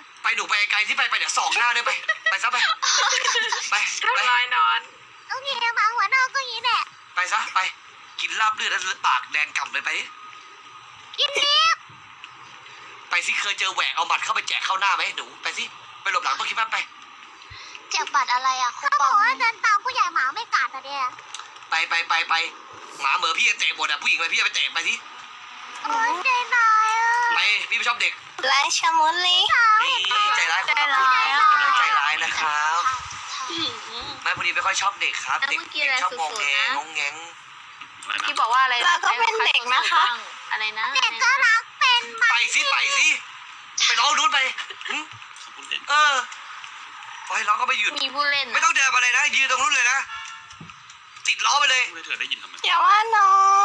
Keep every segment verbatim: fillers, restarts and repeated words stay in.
ไปหนูไปไกลที่ไปไปเดี๋ยวสองหน้าด้วยไปไปซะไปไปไปร้อยนอนโอเคหมาหัวนอกก็อย่างนี้แหละไปซะไปกินลาบเลือดแล้วปากแดงก่ำเลยไปดิกินเนี้ยไปสิเคยเจอแหวกเอาหมัดเข้าไปแจกเข้าหน้าไหมหนูไปสิไปหลบหลังต้นคิดบ้านไปแจกบัตรอะไรอ่ะเขาบอกว่าเดินตามผู้ใหญ่หมาไม่กัดอะเดียไปไปไปไปหมาเหมือพี่จะเตะหมดอ่ะผู้หญิงไปพี่จะไปเตะไปสิโอ้ยใจร้ายอ่ะไปพี่ไม่ชอบเด็กไรชะมุนลีนี่ใจร้ายคนใจทำร้ายอ่ะใจร้ายนะครับไม่พอดีไม่ค่อยชอบเด็กครับเด็กเด็กชอบงงแงงงแงงที่บอกว่าอะไรเราก็เป็นเด็กนะคะอะไรนะเด็กก็รักเป็นไหมไปสิไปสิไปร้องนู้นไปหึเออไปร้องก็ไม่หยุดมีผู้เล่นไม่ต้องเดินมาเลยนะยืนตรงนู้นเลยนะติดล้อไปเลยไม่เธอได้ยินทำไมอย่าว่าน้อง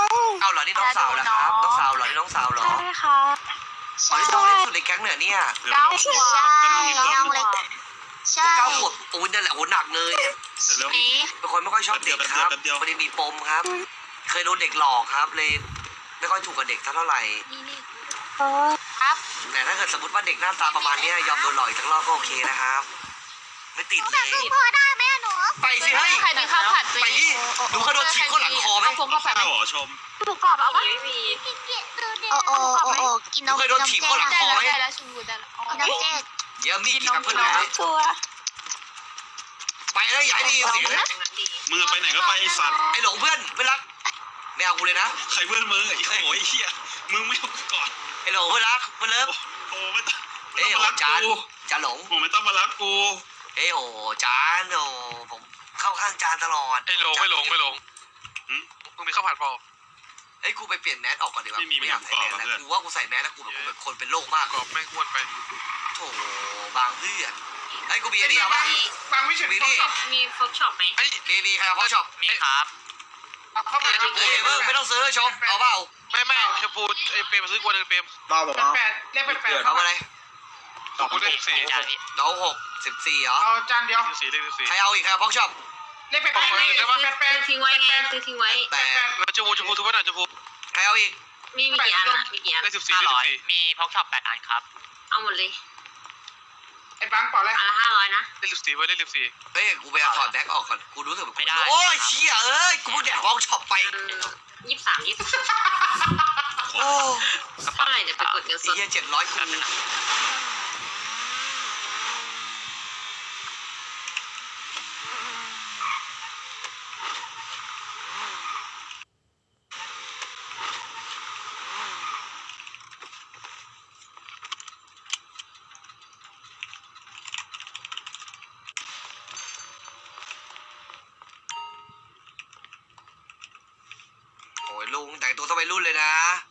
เอาเหรอนี่น้องสาวเหรอครับน้องสาวเหรอนี่น้องสาวเหรอใช่ค่ะอ๋อนี่น้องเล็กสุดในแก๊งเนี่ยเนี่ยเก้าขวบใช่น้องเล็กใช่เก้าขวบโอ้ยนั่นแหละโอ้หนักเลยเสร็จแล้วนี้เป็นคนไม่ค่อยชอบเด็กครับพอดีมีปมครับ เคยโดนเด็กหลอกครับ เลยไม่ค่อยถูกกับเด็กเท่าไหร่นี่นี่โอ้ครับแต่ถ้าเกิดสมมติว่าเด็กหน้าตาประมาณเนี้ยยอมโดนหลอกอีกสักรอบก็โอเคนะครับ ไม่ติดหนูเลแบบยคือพ่อได้ไหมอะหนูไปสิเฮ้ยใครมีข้าวผัดไปนี่หนูเคยโดนฉีกเข้าหลังคอไหมข้าวพงข้าวผัดข้าวหอชมหมูกรอบเอาไหมไม่มีกินเกี๊ยดูดิโอ้โอ้โอ้โอ้กินนมเคยโดนถีบเข้าหลังได้แล้วได้แล้วชิมบูได้แล้วกินน้ำเจ๊กเดี๋ยวมีกี่กับเพื่อนเลยชัวไปเลยอย่าให้ได้ยินเสียงนะมึงไปไหนก็ไปไอ้สัตว์ไอ้หลงเพื่อนเพื่อนรักไม่เอากูเลยนะใครเพื่อนมึงไอ้โง่ไอ้เหี้ยมึงไม่เอาก่อนไอ้หลงเพื่อนรักเพื่อนเลิฟโอ้ไม่ต้องไม่เอ้ยต้องโหมารักจานกูจานหลงโอ้ไม่ต้องมารักกูเอ้ยโหจานโอ้ผมเข้าข้างจานตลอดไม่ลงไม่ลงไม่ลงมึงมีข้าวผัดพอเฮ้ยกูไปเปลี่ยนแมสออกก่อนดีกว่ากูไม่อยากใส่แมสแล้วกูว่ากูใส่แมสแล้วกูแบบกูเป็นคนเป็นโรคมากกรอบไม่อ้วนไปโถบางเพื่อนไอ้ยกูมีไอเดียป่ะบางวิเศษมีนี่มีฟอกช็อปไหมไอ้มีมีใครเอาพ่อช็อปมีครับเฮ้ยเพิ่งไม่ต้องซื้อชมเอาเปล่าไม่ไม่ชมพูไอ้เปรมซื้อกวนหนึ่งเปรมบ้าบอกว่าแปดเลขแปดแปดเอาอะไรชมพูได้สิบสี่น้องหกสิบสี่เหรอเอาจานเดียวสิบสี่เลขสิบสี่ใครเอาอีกใครเอาพ่อช็อปเลขแปดแปดเลขแปดแปดทิ้งไว้ไงซื้อทิ้งไว้แต่แล้วชมพูชมพูทุกวันไหนชมพูใครเอาอีกมีมีกี่อันอะมีกี่อันเลขสิบสี่เลขสิบสี่มีพ็อกช็อปแปดอันครับเอาหมดเลยไอ้บังเปล่าเลยอันละห้าร้อยนะเลขสิบสี่ไว้เลขสิบสี่เฮ้ยกูไปเอาถอดแบ็คออกก่อนกูรู้สึกแบบกูไม่ได้โอ้ยเชี่ยเอ้ยกูเพิ่งแดกพ่อช็อปไปยี่สิบสามยี่สิบโอ้เท่าไหร่เดี๋ยวไปกดเงินสดเฮียเจ็ดร้อยกู โอ้ยลุงแต่งตัวสมัยรุ่นเลยนะ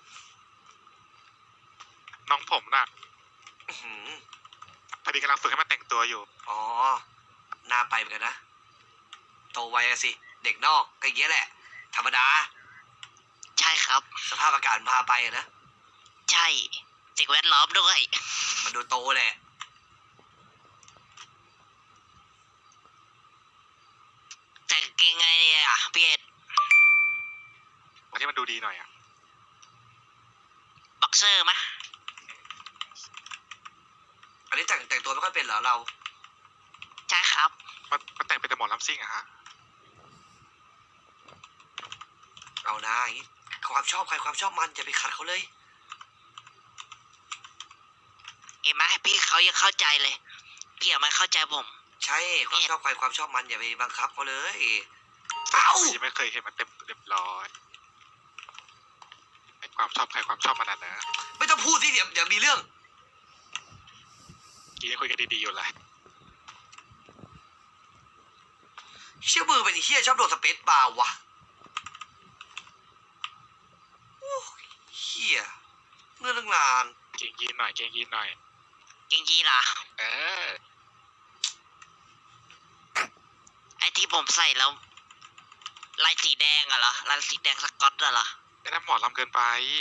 น้องผมน่ะอื้อหือพอดีกำลังฝึกให้มันแต่งตัวอยู่อ๋อน่าไปเหมือนกันนะ โตไวอะสิ เด็กนอกก็อย่างเงี้ยแหละ ธรรมดาใช่ครับสภาพอากาศมันพาไปอะนะใช่สิ่งแวดล้อมด้วยมันดูโตแหละแต่งเกงไงเนี่ยอ่ะพี่เอ็ดวันนี้มันดูดีหน่อยอ่ะบ็อกเซอร์มะอันนี้แต่งแต่งตัวไม่ค่อยเป็นเหรอเราใช่ครับมันมันแต่งเป็นแต่หมอลำซิ่งอะฮะเอานะอย่างงี้ความชอบใครความชอบมันอย่าไปขัดเขาเลยเห็นไหมพี่เขายังเข้าใจเลย พี่อย่ามาเข้าใจผมใช่ความชอบใครความชอบมันอย่าไปบังคับเขาเลย เอ้ายังไม่เคยเห็นมันเต็มเรียบร้อยไอ้ความชอบใครความชอบมันน่ะนะไม่ต้องพูดสิเดี๋ยวเดี๋ยวมีเรื่องกี้ยังคุยกันดีๆอยู่เลยเชื่อมือเป็นไอ้เฮียชอบโดดสเปซบาร์วะโอ้เฮียเงื่อนเรื่องงานเก่งยีนหน่อยเก่งยีนหน่อยจริงๆล่ะเออไอ้ที่ผมใส่แล้วลายสีแดงอะเหรอลายสีแดงสก๊อตอะเหรอไอ้นั่นหมอลำเกินไป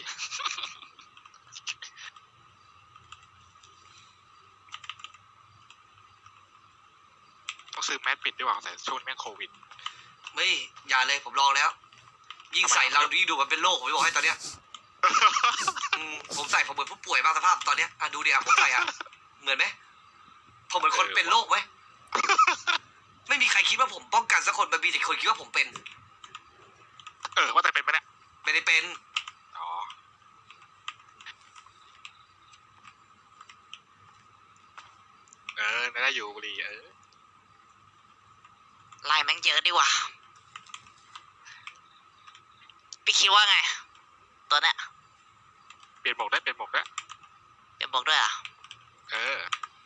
ต้องซื้อแมสปิดด้วยว่าใส่ช่วงนี้แม่งโควิดไม่อย่าเลยผมลองแล้ว ยิ่งใส่เรายิ่งดูมันเป็นโรคผมจะบอกให้ตอนเนี้ยอืมผมใส่ผมเหมือนผู้ป่วยมากสภาพตอนเนี้ยอ่ะดูดิอ่ะผมใส่อ่ะเหมือนไหมผมเหมือนคนเป็นโรคไหม ไม่มีใครคิดว่าผมป้องกันสักคนมันมีแต่คนคิดว่าผมเป็นเออว่าแต่เป็นไหมเนี่ยไม่ได้เป็นอ๋อเออได้อยู่บุรีเออลายแม่งเยอะดีว่ะพี่คิดว่าไง ตัวเนี้ยเปลี่ยนหมวกได้เปลี่ยนหมวกได้เดี๋ยวบอกด้วยอ่ะเออ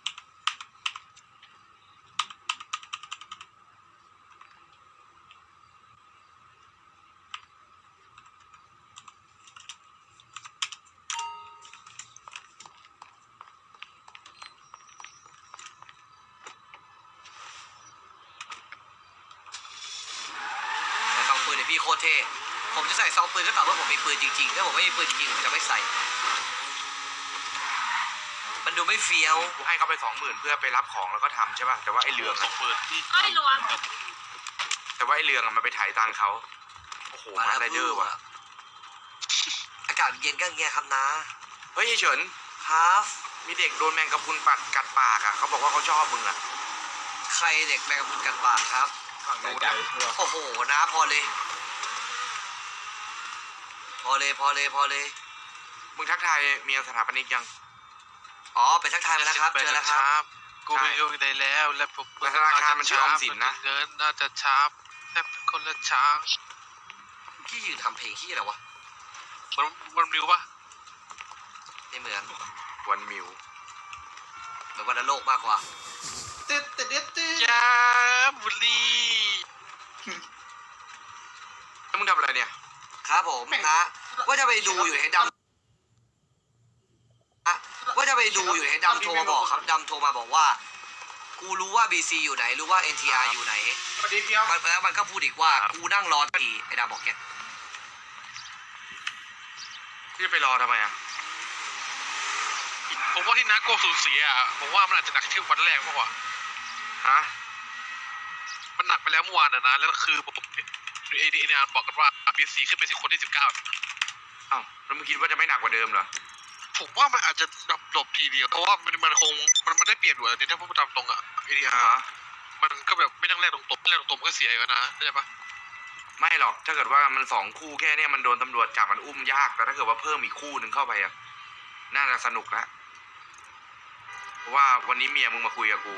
แต่ซองปืนเนี่ยพี่โคตรเท่ผมจะใส่ซองปืนก็ต่อเมื่อผมมีปืนจริงๆถ้าผมไม่มีปืนจริงๆผมจะไม่ใส่ มันดูไม่เฟี้ยวกูให้เขาไปสองหมื่นเพื่อไปรับของแล้วก็ทำใช่ป่ะแต่ว่าไอ้เรืองสองหมื่นที่เอ้ยระวังแต่ว่าไอ้เรืองอะมันไปถ่ายตังค์เขาโอ้โหมาไรเดอร์ว่ะอากาศเย็นก็เงี้ยครับนะเฮ้ยไอ้เฉินครับมีเด็กโดนแมงกะพรุนปัดกัดปากอ่ะเขาบอกว่าเขาชอบมึงอ่ะใครเด็กแมงกะพรุนกัดปากครับฝั่งนู้นอะโอ้โหนะพอเลย พอเลยพอเลยพอเลยมึงทักทายเมียสถาปนิกยังอ๋อไปทักทายมาแล้วครับเจอแล้วครับกูไปโยงได้แล้วและผมธนาคารมันชื่อออมสินนะเงินน่าจะช้าแต่คนละช้างพี่ยืนทำเพลงที่อะไรวะมันมันริวปะไม่เหมือนวันมิวเหมือนวันโลกมากกว่ายาบุรีแล้วมึงทำอะไรเนี่ยครับผมนะว่าจะไปดูอยู่ให้ดำนะว่าจะไปดูอยู่ให้ดำโทรมาบอกครับดำโทรมาบอกว่า กูรู้ว่า บี ซี อยู่ไหนรู้ว่า เอ็น ที อาร์ อยู่ไหนสวัสดีเพียวมันแล้วมันก็พูดอีกว่ากูนั่งรอทีไอ้ดำบอกแกพี่จะไปรอทำไมอ่ะผมว่าที่นักโกสูญเสียอ่ะผมว่ามันอาจจะหนักที่วันแรกมากกว่าฮะมันหนักไปแล้วเมื่อวานอ่ะนะแล้วคือผมเอเดียบอกกันว่าบีซีขึ้นไปสิคนที่สิบเก้าอ้าวแล้วมึงคิดว่าจะไม่หนักกว่าเดิมเหรอผมว่ามันอาจจะดับจบทีเดียวเพราะว่ามันมันคงมันมันได้เปลี่ยนหัวเนี่ยถ้าพูดตามตรงอ่ะเอเดียอ่าฮะมันก็แบบไม่ต้องแรกตรงๆแรกตรงๆมันก็เสียอยู่นะเข้าใจปะไม่หรอกถ้าเกิดว่ามันสองคู่แค่เนี้ยมันโดนตำรวจจับมันอุ้มยากแต่ถ้าเกิดว่าเพิ่มอีกคู่หนึ่งเข้าไปอ่ะน่าจะสนุกละเพราะว่าวันนี้เมียมึงมาคุยกับกู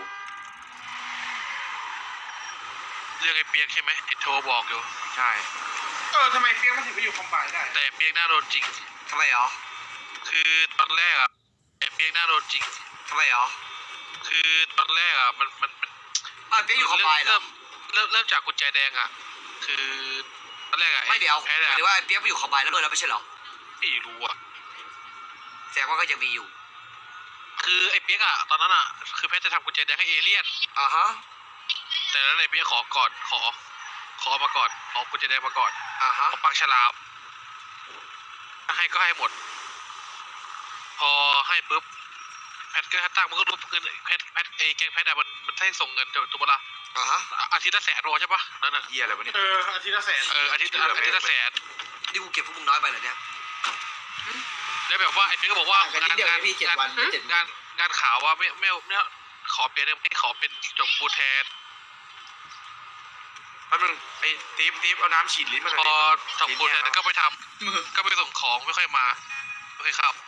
เรื่องไอ้เปียกใช่ไหมไอ้โทรบอกอยู่ใช่เออทำไมเฟี้ยงมันถึงไปอยู่คอมไบได้แต่เปียกหน้าโดนจริงทำไมหรอคือตอนแรกอ่ะไอ้เปียกหน้าโดนจริงทำไมหรอคือตอนแรกอ่ะมันมันมันอ่ะเปี๊ยกอยู่คอมไบเหรอเริ่มเริ่มเริ่มจากกุญแจแดงอ่ะคือตอนแรกอ่ะไม่เดี๋ยวแพ้หเนี่ยมายถึงว่าไอ้เปี๊ยกไปอยู่คอมไบแล้วเลยแล้วไม่ใช่เหรอไม่รู้อ่ะแสดงว่าก็ยังมีอยู่คือไอ้เปียกอ่ะตอนนั้นอ่ะคือแพทจะทำกุญแจแดงให้เอเลี่ยนอ่าฮะแต่แล้วไอ้เปียกขอก่อนขอ ขอมาก่อนขอกุญแจแดงมาก่อนอ่าฮะขอปักฉลามให้ก็ให้หมด พอให้ปุ๊บแพทก็ตั้งมันก็รู้เงินแพทแพทไอ้แกงแพทอะมันมันให้ส่งเงินถูกปะล่ะอ่าฮะอาทิตย์ละแสนโรใช่ปะนั่นน่ะเหี้ยอะไรวะเนี่ยเอออาทิตย์ละแสนเอออาทิตย์อาทิตย์ละแสนนี่กูเก็บพวกมึงน้อยไปเหรอเนี่ยแล้วแบบว่าไอ้เปียกก็บอกว่างานงานงานงานงานข่าวว่าไม่ไม่ไม่ขอเปลี่ยนไม่ขอเป็นจบบูแทนแป๊บนึงไอ้ติ๊บติ๊บเอาน้ำฉีดลิ้นมาหน่พอยอดิจบบูแทนก็ไปทำก็ไปส่งของไม่ค่อยมาไม่ค่อยเข้า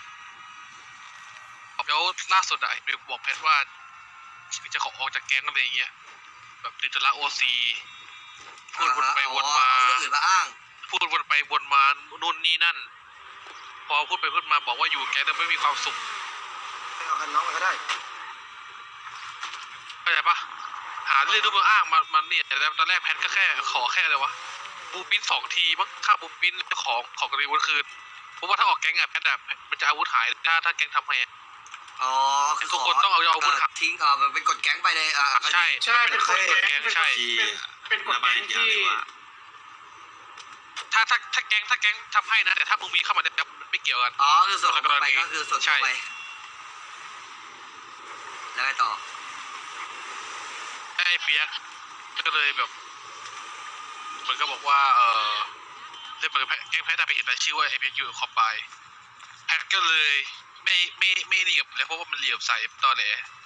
แล้วล่าสุดอะไอ้เปียกบอกแพทว่าจะขอออกจากแก๊งอะไรอย่างเงี้ยแบบติดธุระโอซีพูดวนไปวนมาอ๋อเรื่องอื่นมาอ้างพูดวนไปวนมานู่นนี่นั่น พอพูดไปพูดมาบอกว่าอยู่แก๊งแต่ไม่มีความสุขไม่เอากันน้องมาก็ได้เข้าใจปะหาเรื่องรูปอ้างมามันเนี่ยแต่ตอนแรกแพทก็แค่ขอแค่เลยวะบูปิ้นสองทีมั้งค่าบูปิ้นของของกรณีวุฒิคืนเพราะว่าถ้าออกแก๊งอะแพทอะมันจะอาวุธหายถ้าถ้าแก๊งทำให้อ๋อคือทุกคนต้องเอาอาวุธเทิ้งเออเป็นกดแก๊งไปเลยอ่าใช่ใช่เป็นกฎแก๊งใช่เป็นกฎแก๊งที่ถ้าถ้าถ้าแก๊งถ้าแก๊งทำให้นะแต่ถ้ามึงมีเข้ามาเนี่ยไม่เกี่ยวกันอ๋อคือส่วนของไปก็คือส่วนของไปแล้วไงต่อไอ้เปียกก็เลยแบบมันก็บอกว่าเออเรื่องมันแก๊งแพทย์ไปเห็นรายชื่อว่าไอ้เปียกอยู่คอมไบแพทก็เลยไม่ไม่ไม่เหลี่ยมเลยเพราะว่ามันเหลี่ยมใส่ตอนแหล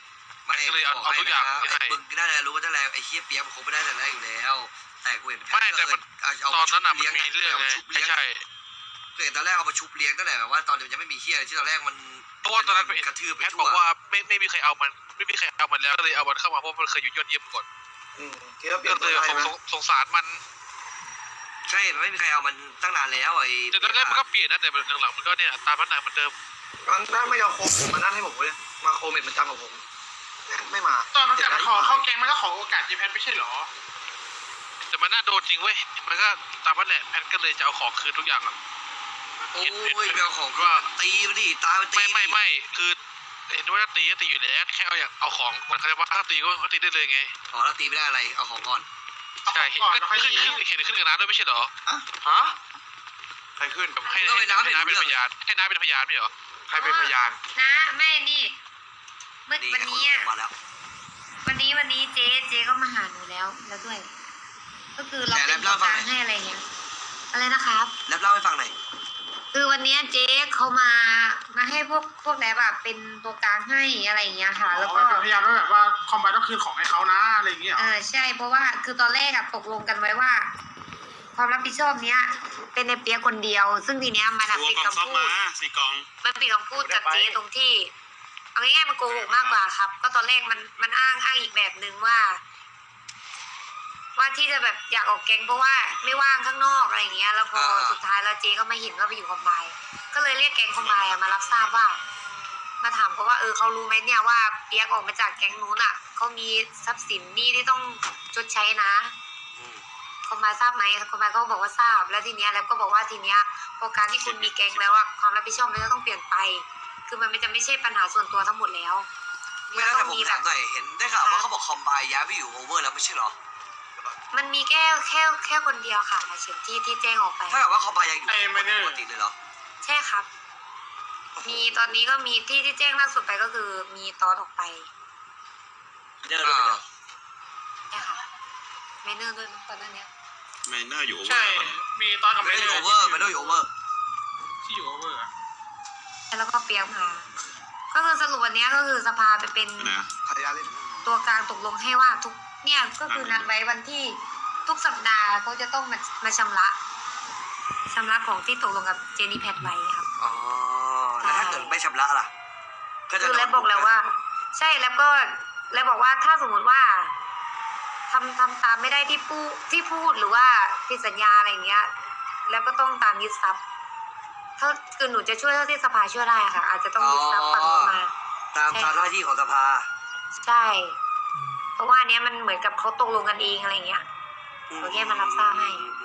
ไม่ก็เลยเอาบเอาทุกอย่างให้นะให้ไอ้มึงน่าจะรู้ว่าจะแรงไอ้เฮียเปียกมันคงไม่ได้แต่แรกอยู่แล้ว แต่กูเห็นไม่แต่มันเอาเอาตอนนั้นน่ะมันชุบมีเรื่องาไงมาชุบเลี้ยงใช่เห็นตอนแรกเอามาชุบเลี้ยงตั้งแต่แบบว่าตอนมันยังไม่มีเฮียที่ตอนแรกมันเพราะว่าตอนนั้นกระทืบไปแพททั่บวอกว่าไม่ไม่มีใครเอามันไม่มีใครเอามันแล้วก็เลยเอามันเข้ามาเพราะมันเคยอยู่ยอดเยี่ยมก่อนคิดว่าเปลี่ยก็นเลยตัวได้สงไหมสงสงสารมันใช่มันไม่มีใครเอามันตั้งนานแล้วไอ้แต่ตอนแรกมันก็เปลี่ยนนะแต่หลังๆมันก็เนี่ยตามพัฒนาเหมือนเดิมมันถ้าไม่เอาโคมมานั่นให้ผมเลยมาโคมเม็ดมันจำกับผมไม่มาตอนมันกลับมาขอเข้าแก๊งมันก็ขอโอกาสเจแพทไม่ใช่เหรอแต่มันน่าโดนจริงเว้ยมันก็ตามพัฒนาแพทก็เลยจะเอาของคืนทุกอย่างอ่ะโอ้ยไปเอาของว่าตีมันดิตายมันตีไม่ไม่ไม่คือเห็นว่าจะตีก็ตีอยู่แล้วแค่เอาอยากเอาของมันเขาเรียกว่าถ้าตีก็ก็ตีได้เลยไงขอแล้วตีไม่ได้อะไรเอาของก่อนใช่เห็นก่อนขึ้นแล้วค่อยขึ้นตีขึ้นเห็นขึ้นกับน้าด้วยไม่ใช่เหรอฮะใครขึ้นให้ให้ให้น้าเป็นพยานให้น้าเป็นพยานไม่เหรอใครเป็นพยานนะแม่นี่เมื่อดีวันคนนี้ลอะงมาแล้ววันนี้วันนี้เจ๊เจ๊ก็มาหาหนูแล้วแล้วด้วย ก็คือเราเป็นตัวกลางให้อะไรเงี้ยอะไรนะครับแล้วเล่าให้ฟังหน่อยคือวันนี้เจ๊เขามามาให้พวกพวกแลบแบบเป็นตัวกลางให้อะไรอย่างเงี้ยค่ะ แล้วก็เป็นพยานว่าแบบว่าคอมไบต้องคืนของให้เขานะอะไรอย่างเงี้ยเหรเอออใช่เพราะว่าคือตอนแรกอะตกลงกันไว้ว่า ความรับผิดชอบเนี้ย เป็นในเปียกคนเดียว ซึ่งทีเนี้ยมันอะตัวปิดกล่องคำซ่อมพูมาดสี่กล่องมันปิดคำพูดกับเจ๊ตรงที่เอาง่ายๆมันโกหกมากกว่าครับ ก็ตอนแรกมันมันอ้างอ้างอีกแบบหนึ่งว่า ว่าที่จะแบบอยากออกแก๊งเพราะว่าไม่ว่างข้างนอกอะไรอย่างเงี้ย แล้วพอสุดท้ายแล้วเจ๊ก็ไม่เห็นว่าไปอยู่คอมไบก็เลยเรียกแก๊งคอมไบอะมารับทราบว่า มาถามเขาว่าเออเขารู้ไหมเนี่ยว่าเปียกออกมาจากแก๊งนู้นอ่ะเขามีทรัพย์สินหนี้ที่ต้องชดใช้นะคอมไบทราบไหมคอมไบเขาบอกว่าทราบแล้วทีเนี้ยแล้วก็บอกว่าทีเนี้ยพอการที่คุณมีแก๊งแล้วอะความรับผิดชอบมันก็ต้องเปลี่ยนไป คือมันไม่จะไม่ใช่ปัญหาส่วนตัวทั้งหมดแล้วไม่ได้แต่ผมถามหน่อยเห็นได้ข่าวว่าเขาบอกคอมไบย้ายไปอยู่โอเวอร์แล้วไม่ใช่เหรอมันมีแค่แค่แค่คนเดียวค่ะเฉียนที่ที่แจ้งออกไปถ้าแบบว่าคอมไบยังอยู่ปกติเลยเหรอใช่ครับ มีตอนนี้ก็มีที่ที่แจ้งล่าสุดไปก็คือมีตอนออกไปเดินอ่าใช่ค่ะไม่เนื่องด้วยมั้งตอนนั้นเนี้ยไมเนอร์อยู่ใช่ มีตอนกับไม่ไม่ได้ได้อยู่โอเวอร์ไม่ได้อยู่โอเวอร์ที่อยู่โอเวอร์อะแล้วก็เปียกมา ก็คือสรุปวันเนี้ยก็คือสภาไปเป็นนะพยาเล่นตัวกลางตกลงให้ว่าทุกเนี่ยก็คือนัดไว้วันที่ทุกสัปดาห์เขาจะต้องมามาชำระชำระของที่ตกลงกับเจนี่แพทไว้ครับอ๋อแล้วถ้าเกิดไม่ชำระล่ะก็จะคือโดแล้นวบอกแล้วว่า ใช่แล้วก็แล้วบอกว่าถ้าสมมุติว่าทำทำตามไม่ได้ที่พูดที่พูดหรือว่าผิดสัญญาอะไรอย่างเงี้ย แล้วก็ต้องตามยึดทรัพย์ถ้าคือหนูจะช่วยเท่าที่สภาช่วยได้ค่ะ อาจจะต้องยึดทรัพย์ฝั่งนู้นมาตามตามหน้าที่ของสภาใช่ เพราะว่าอันเนี้ยมันเหมือนกับเขาตกลงกันเองอะไรอย่างเงี้ย โอเคมารับทราบให้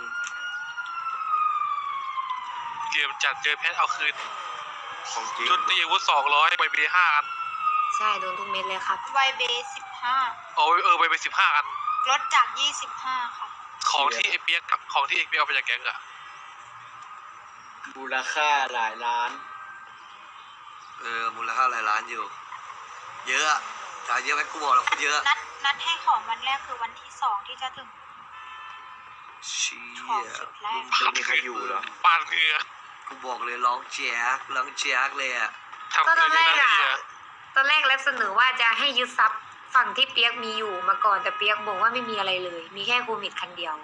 เกมจัดเจอแพทเอาคืนของจริงชุดตีอาวุธสองร้อยใบเบห้าอันใช่โดนทุกเม็ดเลยครับไวเบสิบห้าเอาเออใบเบสิบห้าอันลดจากยี่สิบห้าค่ะของที่ไอเปียกกับของที่เอกเปียกเอาไปจากแก๊งอะมูลค่าหลายล้านเออมูลค่าหลายล้านอยู่ เยอะอะจ่ายเยอะไหมกูบอกแล้วพูดเยอะนัดนัดให้ของวันแรกคือวันที่สองที่จะถึงเชี่ยของสุดแรกไม่มีใครอยู่เหรอปานเหงื่อกูบอกเลยร้องแจ๊กร้องแจ๊กเลยอ่ะทำก็ตเกิอน นเลแรยกนะอะเนี่ยตอนแรกแล้วเสนอว่าจะให้ยึดทรัพย์ฝั่งที่เปียกมีอยู่มาก่อนแต่เปียกบอกว่าไม่มีอะไรเลย มีแค่โควิดคันเดียว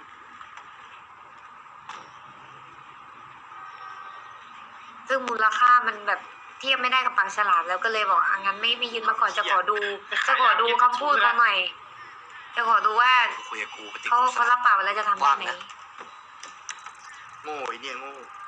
ซึ่งมูลค่ามันแบบเทียบไม่ได้กับปางฉลามแล้วก็เลยบอกอ่ะงั้นไม่ไม่ยึดมาก่อนจะขอดู จะขอดูคำพูดเขาหน่อย จะขอดูว่าคุยกับกูปฏิเขากูเขารับปากไว้แล้วจะทำได้ไหมโง่ไอ้เนี่ยโง่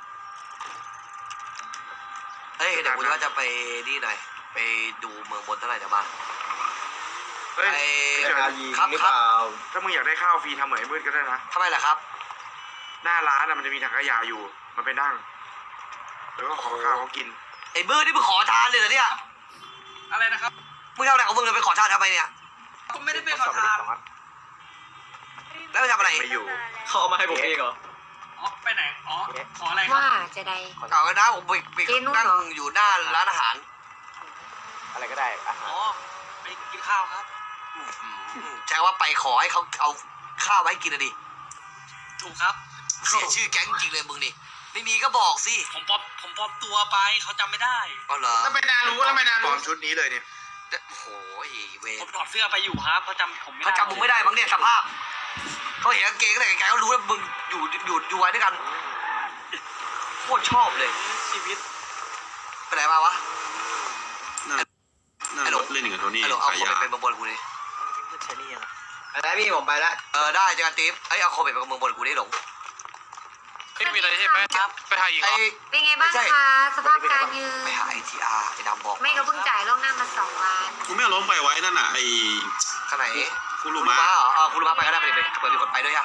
เฮ้ยเดี๋ยวกูว่าจะไปนี่หน่อย ไปดูเมืองบนเท่าไหร่เดี๋ยวมาเฮ้ยไอ้เดี๋ยวยิงครับหรือคเปรับล่าถ้ามึงอยากได้ข้าวฟรีทำเหมือนไอ้มืดก็ได้นะทำไมล่ะครับหน้าร้านอะมันจะมีถังขยะอยู่ มันไปนั่ง แล้วก็ขอข้าวเขากินไอ้เบอร์นี่มึงขอทานเลยเหรอเนี่ยอะไรนะครับมึงเท่าไหร่ของมึงเลยไปขอทานทำไมเนี่ยก็ไม่ได้เป็นขอทานแล้วไปทำอะไรไม่อยู่เขาเอามาให้ผมเองเหรออ๋อ ไปไหน อ๋อ ขออะไรครับว่าจะได้เอาไว้นะผมไปไปเจ๊นุ่นนั่งเหรออยู่หน้าร้านอาหารอะไรก็ได้อะอ๋อ ไปกินข้าวครับอืมแจ้งว่าไปขอให้เขาเอาข้าวมาให้กินนะดิถูกครับเสียชื่อแก๊งจริงเลยมึงนี่ ไม่มีก็บอกสิผมปลอมผมปลอมตัวไป เขาจำไม่ได้อ๋อเหรอแล้วไม่นารู้แล้วไม่นาปลรู้อมชุดนี้เลยเนี่ยโอ้โหเวผมถอดเสื้อไปอยู่ครับเขาจำผมไม่ได้เขาจำมึงไม่ได้มั้งเนี่ยสภาพเขาเห็นกางเกงอะไรไกลๆเขารู้ว่ามึงอยู่อยู่อยู่ไว้ด้วยกันโคตรชอบเลยชีวิตไปไหนมาวะน่าน่ารถเล่นอย่างกับโทนี่ไอ้หลงเอาขายโคเบยาตเป็นเมืองบนกูดิไปแล้วพี่ผมไปแล้วเออได้เจอกันติ๊บไอ้ยเอาโคเบตเป็นเมืองบนกูดิหลงไม่มีอะไรใช่ไหมไปหาอีกเหรไอ้อเป็นไงบ้างคะสภาพการยืนไปหาไอทีอาร์ไอ้ดำบอกไม่ก็เพิ่งจ่ายล่วงหน้ามาสองวันกูไม่เอาล้มไปไว้นั่นน่ะไอ้ข้างไหนคุคุรุรุมะมะเหรอเออคุรุมะไปก็ได้ไปดิไปเปิดมีคนไปด้วยอะ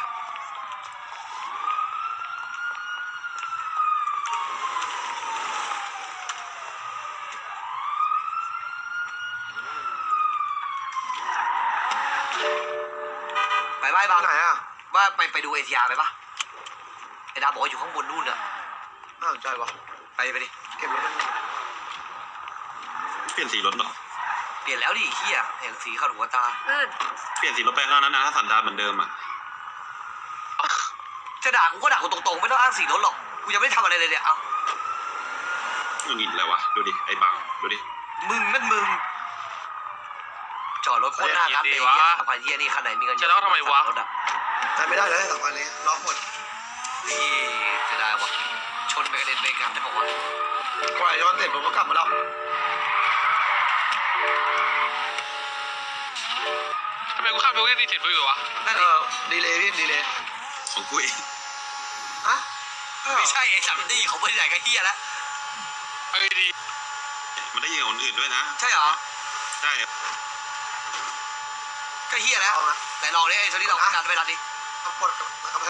ไปไหว้บางไหนอะว่าไปไปดูเอทีอาร์ไปปะไอ้ดาบอกว่าอยู่ข้างบนนู่นอะน่าสนใจปะไปไปดิเก็บรถเปลี่ยนสีรถเหรอเปลี่ยนแล้วดิเฮียเห็นสีเข้าหัวตาอืดเปลี่ยนสีรถไปเท่านั้นนะถ้าสันดานเหมือนเดิมอ่ะจะด่ากูก็ด่ากูตรงๆไม่ต้องอ้างสีรถหรอกกูยังไม่ได้ทำอะไรเลยเนี่ยเอามึงอินอะไรวะดูดิไอ้บังดูดิมึงนั่นมึงจอดรถโคตรหน้ากันเลยเฮียสามพันเฮียนี่คันไหนมีเงินเยจะอะเล่าทำไมวะรถอะไปไม่ได้เลยสองวันนี้ล็อกหมดนี่จะได้วะชนไปกระเด็นไปกันได้บอกว่ากว่าย้อนเสร็จผมก็กลับมาแล้วทำไมกูข้ามไปกูได้ดีเจ็ดด้วยวะนั่นเอดิอดีเลยพี่ดีเลยของกูเองฮะไม่ใช่ไอ้สามนี่ของบริษัทก็เฮียแล้วเอ้ยดีมันได้ยินกับคนอื่นด้วยนะใช่เหรอใช่ก็เฮียแล้วไหนลองดิไอ้โทนี่ลองการไปรัดดิกด